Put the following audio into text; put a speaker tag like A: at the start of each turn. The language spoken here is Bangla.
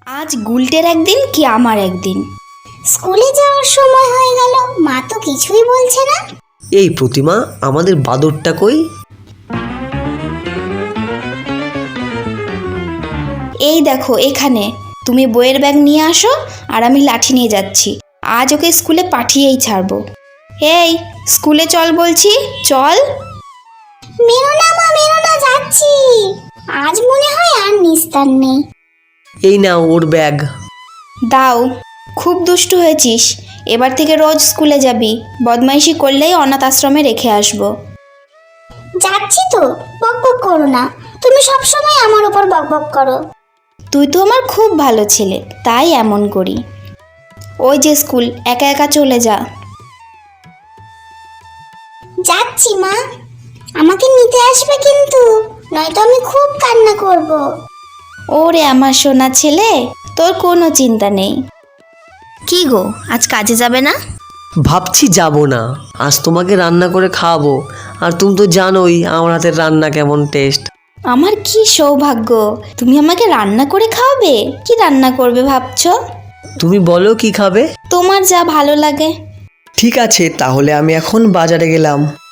A: আজ গুলটের একদিন কি আমার একদিন।
B: স্কুলে যাওয়ার সময় হয়ে গেল, মা তো কিছুই বলছে না।
C: এই প্রতিমা, আমাদের বাদরটা কই?
A: এই দেখো এখানে, তুমি বইয়ের ব্যাগ নিয়ে আসো আর আমি লাঠি নিয়ে যাচ্ছি। আজ ওকে স্কুলে পাঠিয়েই ছাড়বো। এই স্কুলে চল বলছি, চল।
B: মেরো না মা, মেরো না, যাচ্ছি। আজ মনে হয় আর নিস্তার নেই।
C: এই নাও ওর ব্যাগ।
A: দাও, খুব দুষ্টু হয়েছিস। এবার থেকে রোজ স্কুলে যাবি, বদমাইশি করলেই অনাথ আশ্রমে রেখে আসবো।
B: যাচ্ছি তো, বক বক করো না। তুমি সব সময় আমার উপর বক বক করো।
A: তুই তো আমার খুব ভালো ছেলে, তাই এমন করি। ওই যে স্কুল, একা একা চলে যা।
B: যাচ্ছি মা, আমাকে নিতে আসবে কিন্তু, নয়তো আমি খুব কান্না করব।
A: ওরে আমার সোনা ছেলে, তোর কোনো চিন্তা নেই। কি গো, আজ কাজে যাবে না?
C: ভাবছি যাব না, আজ তোমাকে রান্না করে খাওয়াবো। আর তুমি তো জানোই আমার হাতের রান্না কেমন টেস্ট।
A: আমার কি সৌভাগ্য, তুমি আমাকে রান্না করে খাওয়াবে। কি রান্না করবে ভাবছো?
C: তুমি বলো কি খাবে?
A: তোমার যা ভালো লাগে।
D: ঠিক আছে, তাহলে আমি এখন বাজারে গেলাম।